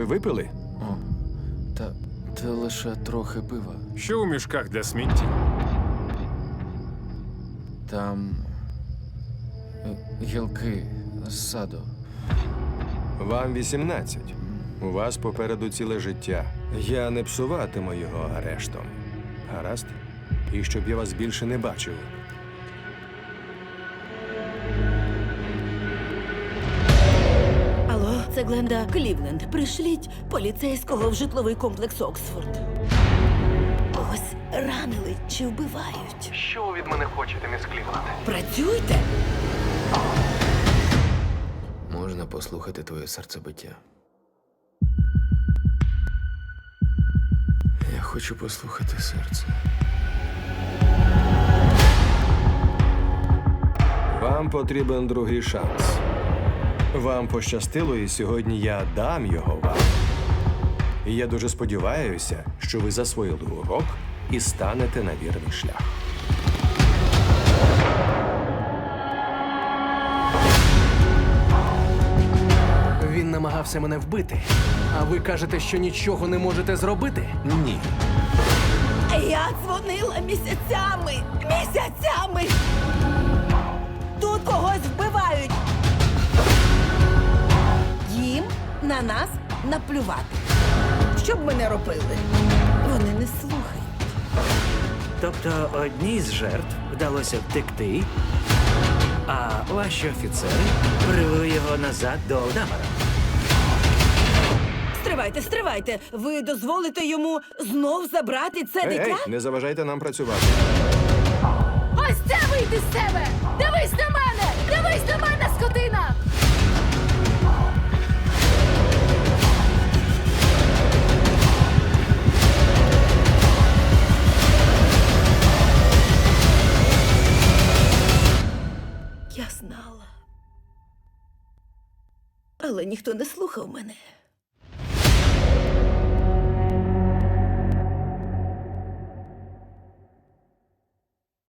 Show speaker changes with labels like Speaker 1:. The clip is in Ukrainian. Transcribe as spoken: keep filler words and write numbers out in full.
Speaker 1: випили?
Speaker 2: О, та, та лише трохи пива.
Speaker 3: Що у мішках для сміття?
Speaker 2: Там е, гілки з саду.
Speaker 1: Вам вісімнадцять. У вас попереду ціле життя. Я не псуватиму його арештом. Гаразд? І щоб я вас більше не бачив.
Speaker 4: Алло, це Гленда Клівленд. Пришліть поліцейського в житловий комплекс Оксфорд. Ось ранили чи вбивають.
Speaker 5: Що ви від мене хочете, міс Клівленд?
Speaker 4: Працюйте!
Speaker 2: Можна послухати твоє серцебиття? Я хочу послухати серце.
Speaker 1: Вам потрібен другий шанс. Вам пощастило, і сьогодні я дам його вам. І я дуже сподіваюся, що ви засвоїли урок і станете на вірний шлях.
Speaker 5: Він намагався мене вбити. А ви кажете, що нічого не можете зробити?
Speaker 1: Ні.
Speaker 4: Я дзвонила місяцями! Місяцями! Тут когось вбивають! Їм на нас наплювати. Що б ми не робили? Вони не слухають.
Speaker 6: Тобто одній з жертв вдалося втекти, а ваші офіцери привели його назад до Алдамара.
Speaker 4: Стривайте, стривайте! Ви дозволите йому знов забрати це
Speaker 1: Ей,
Speaker 4: дитя?
Speaker 1: ей, не заважайте нам працювати.
Speaker 7: Ось це вийди з себе! Дивись на мене! Дивись на мене, скотина!
Speaker 4: Я знала. Але ніхто не слухав мене.